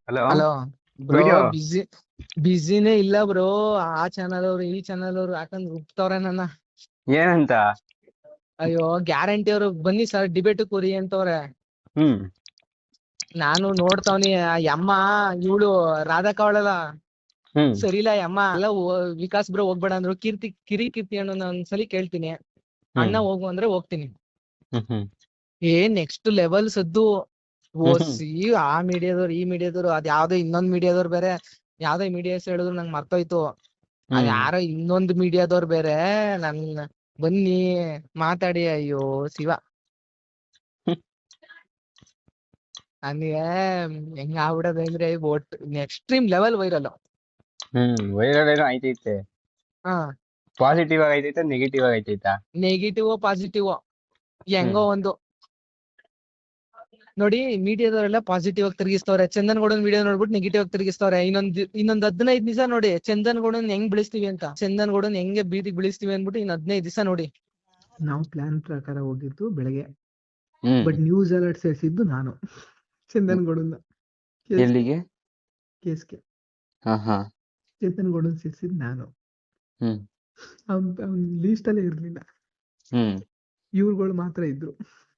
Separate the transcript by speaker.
Speaker 1: Hello.
Speaker 2: Hello bro.
Speaker 1: Video
Speaker 2: ಬಿಸಿನೇ ಇಲ್ಲ bro. ಆ ಚಾನಲ್ ಅವ್ರು ಈ ಚಾನಲ್ ಅವ್ರು ಹಾಕೊಂಡ್ ರುಬ್ತವ್ರೆ ನನ್ನ.
Speaker 1: ಏನಂತ?
Speaker 2: ಅಯ್ಯೋ ಗ್ಯಾರಂಟಿ ಅವ್ರು ಬನ್ನಿ ಸರ್ ಡಿಬೇಟ್ ಕೂರಿ ಅಂತವ್ರೆ.
Speaker 1: ಹ್ಮ್
Speaker 2: ನಾನು ನೋಡ್ತಾವ್ನಿ ಆ ಯಮ್ಮ ಇವಳು ರಾಧಾ ಕವಳಲ್ಲ
Speaker 1: ಹ್ಮ್
Speaker 2: ಸರಿ ಇಲ್ಲ ಯಮ್ಮ ಎಲ್ಲ ವಿಕಾಸ್ ಬ್ರೋ ಹೋಗ್ಬೇಡ ಅಂದ್ರು. ಕೀರ್ತಿ ಅಣ್ಣ ಒಂದ್ಸಲಿ ಕೇಳ್ತೀನಿ,
Speaker 1: ಹ್ಮ್
Speaker 2: ಅಣ್ಣ ಹೋಗು ಅಂದ್ರೆ ಹೋಗ್ತೀನಿ.
Speaker 1: ಹ್ಮ್ ಹ್ಮ್
Speaker 2: ನೆಕ್ಸ್ಟ್ ಲೆವೆಲ್ ಸದ್ದು
Speaker 1: ಹ್ಮ್ ಹ್ಮ್
Speaker 2: ಓಸಿ. ಆ ಮೀಡಿಯಾದವ್ರು ಈ ಮೀಡಿಯಾದವ್ರು ಅದ್ ಯಾವ್ದೋ ಇನ್ನೊಂದ್ ಮೀಡಿಯಾದವ್ರು ಬೇರೆ, ಯಾವ್ದೋ ಮೀಡಿಯಾ ಹೆಸರು ಹೇಳಿದ್ರು ನಂಗೆ ಮರ್ತೋಯ್ತು. ಅದ್
Speaker 1: ಹ್ಮ್
Speaker 2: ಯಾರೋ ಇನ್ನೊಂದು ಮೀಡಿಯಾದವ್ರು ಬೇರೆ ನನ್ ಬನ್ನಿ ಮಾತಾಡಿ. ಅಯ್ಯೋ ಶಿವ, ನನಗೆ ಹೆಂಗ ಆಗ್ಬಿಡೋದು ಅಂದ್ರೆ ಒಟ್ಟು ಎಕ್ಸ್ಟ್ರೀಮ್ ಲೆವೆಲ್ ವೈರಲ್.
Speaker 1: ವೈರಲ್ ಏನೋ ಆಯ್ತೈತೆ.
Speaker 2: ಹಾ,
Speaker 1: ಪಾಸಿಟಿವ್ ಆಗಿ ಐತೈತೆ, ನೆಗೆಟಿವ್ ಆಗಿ ಐತೈತಾ?
Speaker 2: ನೆಗೆಟಿವ್ ಪಾಸಿಟಿವ್
Speaker 1: ಹ್ಮ್
Speaker 2: ಹೆಂಗೋ ಒಂದು ನೋಡಿ. ಮೀಡಿಯಾದವರೆಲ್ಲ ಪಾಸಿಟಿವ್ ಆಗಿ ತಿರುಗಿಸ್ತವ್ರೆ. ಚಂದನ್ ಗೌಡನ್ ವಿಡಿಯೋ ನೋಡ್ಬಿಟ್ಟು ನೆಗೆಟಿವ್ ಆಗಿ ತಿರುಗಿಸ್ತವ್ರೆ. ಇನ್ನೊಂದ್ 15 ದಿವಸ ನೋಡಿ ಚಂದನ್ ಗೌಡನ್ ಹೆಂಗ್ ಬೆಳೆಸ್ತೀವಿ ಅಂತ, ಚಂದನ್ ಗೌಡನ್ ಹೆಂಗೆ ಬೀದಿಗೆ ಬೆಳೆಸ್ತೀವಿ ಅನ್ಬಿಟ್ಟು ಇನ್ 15 ದಿವಸ ನೋಡಿ.
Speaker 3: ನಾವು ಪ್ಲಾನ್ ಪ್ರಕಾರ ಹೋಗಿದ್ದು ಬೆಳಗ್ಗೆ,
Speaker 1: ಹ್ಮ್
Speaker 3: ಬಟ್ ನ್ಯೂಸ್ ಅಲರ್ಟ್ ಸೇರಿಸಿದ್ದು ನಾನು ಚಂದನ್ ಗೌಡನ್ನ.
Speaker 1: ಎಲ್ಲಿಗೆ?
Speaker 3: ಕೇಸ್ಗೆ
Speaker 1: ಹಾ ಹಾ
Speaker 3: ಚಂದನ್ ಗೌಡನ್ ಸೇರಿಸಿದ್ದು ನಾನು.
Speaker 1: ಹ್ಮ್
Speaker 3: ಅವ್ನ ಲೀಸ್ಟ್ ಅಲ್ಲೇ ಇರ್ಲಿಲ್ಲ,
Speaker 1: ಹ್ಮ್
Speaker 3: ಇವ್ರುಗಳು ಮಾತ್ರ ಇದ್ರು.